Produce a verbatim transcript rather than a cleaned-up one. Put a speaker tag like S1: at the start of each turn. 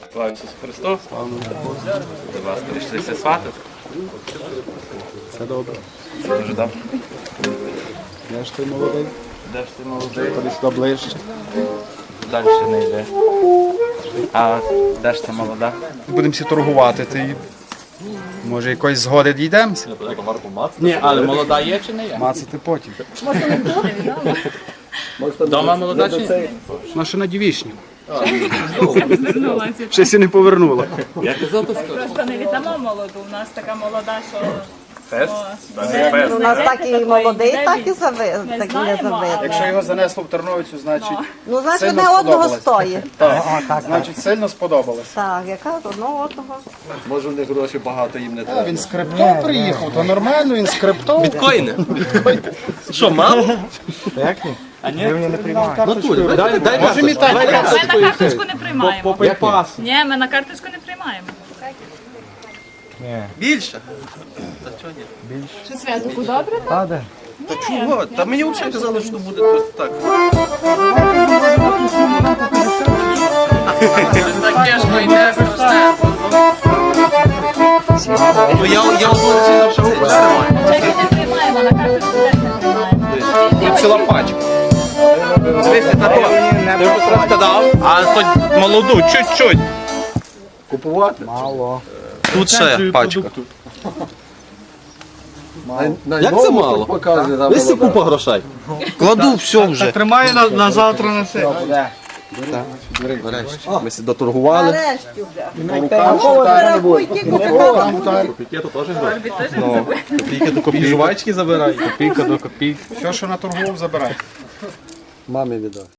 S1: Слава Ісусу Христу. Будь ласка, рішилися сватати.
S2: Все добре.
S1: Це дуже добре.
S2: Де ж ти молодий?
S1: Де ж ти молодий?
S2: Ходи сюди ближче.
S1: Далі не йде. А де ж ти молода?
S2: Будемо всі торгувати. Ти... Може якоїсь згоди дійдемося?
S1: Ні, але молода є чи не є?
S2: Мацати потім.
S1: Дома молода чи ні?
S2: Вона ще на дівічні. Щось і не повернула.
S1: Я казав, то скажу.
S3: Просто не віддамо молоду. У нас така молода, що
S1: Фест?
S3: О,
S4: У нас так і молодий, так і зави...
S3: Ми
S4: так і не
S3: знаємо,
S4: завидно.
S2: Якщо його занесло в Терновицю, значить
S4: Ну, значить,
S2: сильно
S4: одне одного
S2: сподобалось.
S4: стоїть.
S2: Так, значить сильно сподобалось.
S4: Так, яка одного одного.
S5: Може в них гроші багато їм не
S2: А,
S5: треба.
S2: він з криптом приїхав, то нормально, він з криптом.
S1: Біткоїни? Що, мало?
S5: Дай, дай
S2: Може мітати.
S3: ми на карточку не приймаємо.
S2: По
S3: Ні, ми на карточку не приймаємо.
S5: більше.
S3: Що святику добре?
S5: Та чого? Та мені взагалі казали, що буде тут так.
S1: Так тяжко йде, страшне.
S5: Ну я, я одну що
S3: Чеки не приймаємо, на карточку теж не приймаємо.
S5: ціла пачка.
S1: Дивіться на то. Ти вже трошки дав, а хоч молоду, чуть-чуть.
S5: Купувати? Мало. Тут ще пачка. Як це мало? Ось купа грошей. Кладу все вже.
S2: Тримає на, на завтра на все.
S5: Ми сі доторгували.
S4: Нарешті вже.
S2: Рукам
S4: Тільки така
S5: Копійки до копійки. Жувачки забирай.
S2: Копійка до копійки. Все, що наторгував, забирай.
S5: Мамі віддав.